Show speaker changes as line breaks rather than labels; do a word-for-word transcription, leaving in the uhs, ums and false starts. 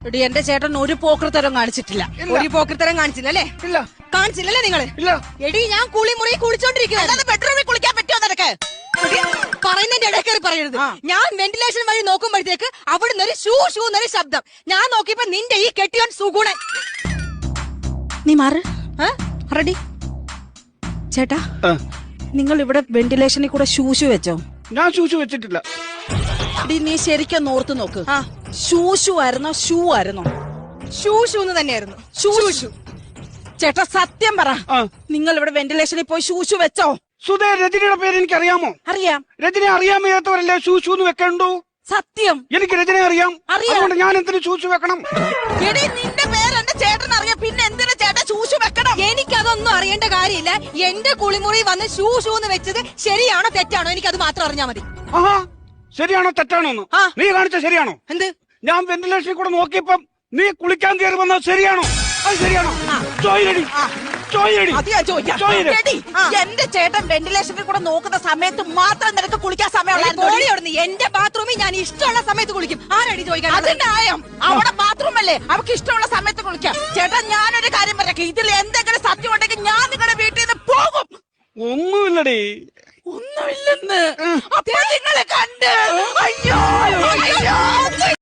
എടി എന്റെ ചേട്ടൻ ഒരു പോക്കൃത്തരം കാണിച്ചിട്ടില്ല.
ഒരു പോക്കൃത്തരം കാണിച്ചില്ല അല്ലേ?
ഇല്ല.
കാണിച്ചില്ലല്ലേ നിങ്ങള്?
ഇല്ല.
എടി ഞാൻ കുളിമുറി കുളിച്ചോണ്ടിരിക്കുക.
ബെഡ്റൂമിൽ കുളിക്കാൻ പറ്റുമോ നിനക്ക്?
പറയുന്നതിന്റെ ഇടയിൽ കയറി പറയരുത്. ഞാൻ വെന്റിലേഷൻ വഴി നോക്കുമ്പോഴത്തേക്ക് അവിടുന്ന് ഒരു ഷൂ ഷൂ എന്നൊരു ശബ്ദം. ഞാൻ നോക്കിയപ്പോ നിന്റെ ഈ കെട്ടിയോൻ സുഗുണൻ.
നീ മാറ്. റെഡി ചേട്ടാ, നിങ്ങൾ ഇവിടെ വെന്റിലേഷനിൽ കൂടെ ഷൂഷു വെച്ചോ?
ഞാൻ ഷൂഷു വെച്ചിട്ടില്ല.
എടി നീ ശരിക്കും ഓർത്ത് നോക്ക്. ഷൂഷു ആയിരുന്നോ ഷൂ ആയിരുന്നോ?
ഷൂ ഷൂ എന്ന് തന്നെയായിരുന്നു.
ഷൂ ഷൂ. ചേട്ടാ സത്യം പറ, നിങ്ങൾ ഇവിടെ വെന്റിലേഷനിൽ പോയി ഷൂഷു വെച്ചോ?
സുധേ, രജനിയുടെ പേര് എനിക്ക് അറിയാമോ?
അറിയാം.
രജനെ അറിയാൻ വയ്യാത്തവരല്ലേ ഷൂഷു എന്ന് വെക്കണ്ടോ?
സത്യം.
എനിക്ക് രജനെ അറിയാം. അതുകൊണ്ട് ഞാൻ എന്തിനു ഷൂഷു വെക്കണം?
എടി നിന്റെ പേര് എന്റെ ചേട്ടൻ അറിയാം, പിന്നെ എന്തിനാ ചേട്ടൻ ഷൂഷു വെക്കണം?
എനിക്കതൊന്നും അറിയേണ്ട കാര്യമില്ല. എന്റെ കുളിമുറി വന്ന് ഷൂ ഷൂ എന്ന് വെച്ചത് ശരിയാണോ തെറ്റാണോ എനിക്കത് മാത്രം അറിഞ്ഞാ മതി.
ആഹാ, ശരിയാണോ തെറ്റാണോ എന്ന് നീ കാണിച്ച ശരിയാണോ?
എന്ത്?
ഞാൻ വെന്റിലേഷനിൽ കൂടെ നോക്കിയപ്പം നീ കുളിക്കാൻ കയറി വന്നത് ശരിയാണോ? അത് ശരിയാണോ? ചോയിലടി, ചോയിലടി.
എന്റെ ചേട്ടൻ വെന്റിലേഷനിൽ കൂടെ നോക്കുന്ന സമയത്ത് മാത്രം നിനക്ക് കുളിക്കാൻ സമയമുള്ള
എന്റെ ബാത്റൂമിൽ ഞാൻ ഇഷ്ടമുള്ള സമയത്ത് കുളിക്കും. ആരടി ചോദിക്കാൻ?
അതിന്റെ ആയം അവിടെ ബാത്റൂം അല്ലേ, അവർക്ക് ഇഷ്ടമുള്ള സമയത്ത് കുളിക്കാം. ചേട്ടാ ഞാനൊരു കാര്യം പറയാം, ഇതിൽ എന്തെങ്കിലും സത്യം ഉണ്ടെങ്കിൽ ഞാൻ നിങ്ങളുടെ വീട്ടിൽ നിന്ന് പോകും.
ഒന്നുമില്ലടി.
ഒന്നുമില്ലെന്ന് അപ്പൊ നിങ്ങളെ കണ്ട് അയ്യോ അയ്യോ